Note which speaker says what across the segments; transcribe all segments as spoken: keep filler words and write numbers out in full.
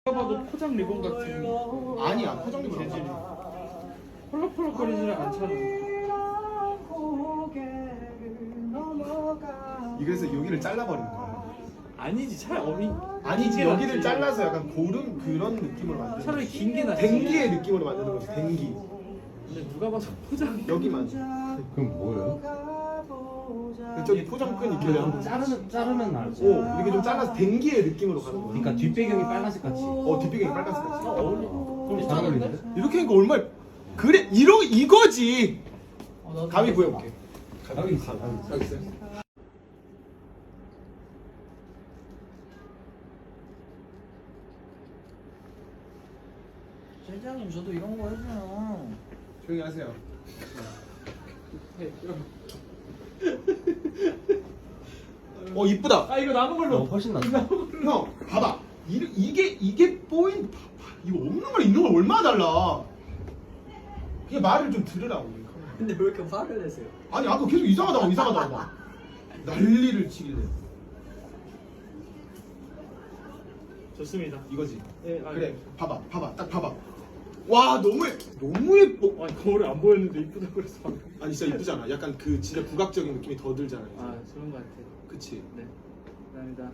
Speaker 1: 봐도 포장 리본 같은
Speaker 2: 아니야 포장 리본
Speaker 1: 재질이
Speaker 2: 아니야.
Speaker 1: 펄럭펄럭거리지를 않잖아.
Speaker 2: 이래서 여기를 잘라버린 거야.
Speaker 1: 아니지 차라리 어미
Speaker 2: 아니지
Speaker 1: 긴 게
Speaker 2: 여기를
Speaker 1: 낫지.
Speaker 2: 잘라서 약간 고름 그런 느낌으로 만드는
Speaker 1: 차라리
Speaker 2: 거지.
Speaker 1: 긴 게 낫지.
Speaker 2: 댕기의 느낌으로 만드는 거지. 댕기
Speaker 1: 근데 누가 봐서 포장
Speaker 2: 여기만.
Speaker 3: 그럼 뭐예요?
Speaker 2: 저기 포장끈 있길래 한번
Speaker 3: 자르면 자르면 알고.
Speaker 2: 오 이렇게 좀 잘라서 댕기의 느낌으로 가는 거야.
Speaker 3: 그러니까 뒷배경이 빨간색 같이.
Speaker 2: 어 뒷배경이 빨간색 같이.
Speaker 1: 어, 어울려.
Speaker 3: 그럼 잘 어울리는데?
Speaker 2: 이렇게 하니까 얼마나 그래 이러 이거지.
Speaker 1: 어, 나도
Speaker 2: 가위 구해볼게.
Speaker 3: 가위 있어.
Speaker 2: 가위 있어요?
Speaker 4: 실장님 저도 이런 거 해줘요.
Speaker 2: 조용히 하세요. 어 이쁘다.
Speaker 1: 아 이거 남은 걸로
Speaker 3: 어, 훨씬 낫다.
Speaker 2: 형 봐봐. 이, 이게 이게 포인트. 봐봐. 이거 없는 걸 있는 걸 얼마나 달라. 그게 말을 좀 들으라고.
Speaker 4: 근데 왜 이렇게 화를 내세요?
Speaker 2: 아니 아까 계속 이상하다고 이상하다고 막 난리를 치길래.
Speaker 1: 좋습니다.
Speaker 2: 이거지.
Speaker 1: 네, 아니,
Speaker 2: 그래 봐봐 봐봐 딱 봐봐. 와 너무 예, 너무 예뻐.
Speaker 1: 아니 거울에 안 보였는데 이쁘다고 그래서 방금.
Speaker 2: 아니 진짜 이쁘잖아. 약간 그 진짜 국악적인 느낌이 더 들잖아.
Speaker 1: 아 그런 거 같아.
Speaker 2: 그치.
Speaker 1: 네. 감사합니다.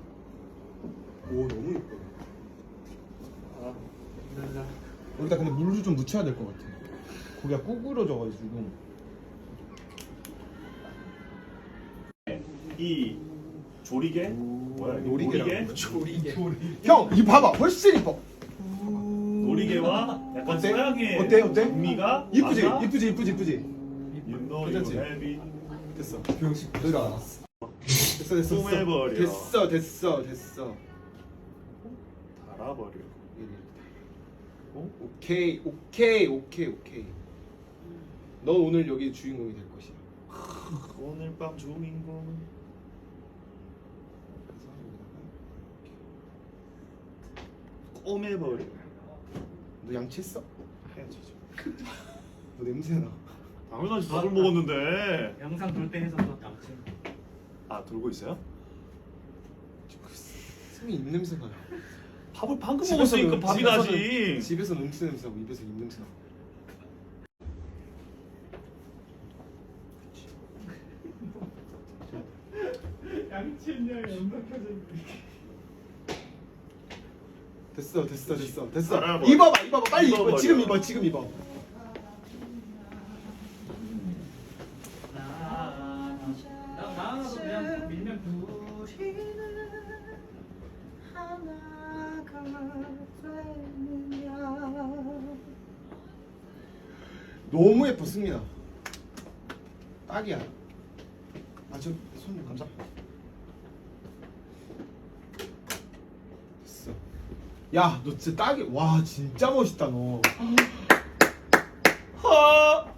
Speaker 2: 오 너무 예뻐.
Speaker 1: 아 감사합니다.
Speaker 2: 여기다 근데 물을 좀 묻혀야 될 것 같아. 고기가 구부러져가지고.
Speaker 5: 이 조리개 뭐야 이게?
Speaker 2: 놀이개라고.
Speaker 4: 조리개.
Speaker 2: 형 이 봐봐 훨씬 이뻐.
Speaker 5: 놀이개와 약간
Speaker 2: 어때?
Speaker 5: 서양의
Speaker 2: 어때? 어때?
Speaker 5: 의미가
Speaker 2: 이쁘지
Speaker 5: 맞아?
Speaker 2: 이쁘지 이쁘지 이쁘지.
Speaker 5: You know
Speaker 2: 괜찮지?
Speaker 5: you have it.
Speaker 2: 됐어.
Speaker 3: 병식
Speaker 2: 너희가 알았어. 됐어 됐어 됐어.
Speaker 5: 쏘매버려.
Speaker 2: 됐어 됐어 됐어.
Speaker 5: 달아버려.
Speaker 2: 어? 오케이 오케이 오케이 오케이. 넌 오늘 여기 주인공이 될 것이야.
Speaker 5: 오늘 밤 주인공. 꼬매버려.
Speaker 2: 너 양치했어?
Speaker 5: 해야지.
Speaker 2: 너 냄새나.
Speaker 5: 당연하지 밥을 먹었는데.
Speaker 1: 영상 돌 때 해서 또 양치.
Speaker 5: 아 돌고 있어요?
Speaker 2: 승이 입 냄새가 나.
Speaker 5: 밥을 방금
Speaker 2: 집에서는-
Speaker 5: 먹었으니까 밥이
Speaker 2: 집에서는-
Speaker 5: 나지.
Speaker 2: 집에서 음식 냄새 나고 입에서 입 냄새 나.
Speaker 1: 양치했냐 영상 켜져.
Speaker 2: 됐어 됐어 됐어 됐어.
Speaker 5: 알아봐.
Speaker 2: 입어봐 입어봐 빨리 입어.
Speaker 5: 입어버려.
Speaker 2: 지금 입어 지금 입어.
Speaker 1: 나 나가도 그냥 밀면 부.
Speaker 2: 너무 예뻐 승민아. 딱이야. 아저 손님 감사. 됐어. 야 너 진짜 딱이. 와 진짜 멋있다 너.
Speaker 5: 하.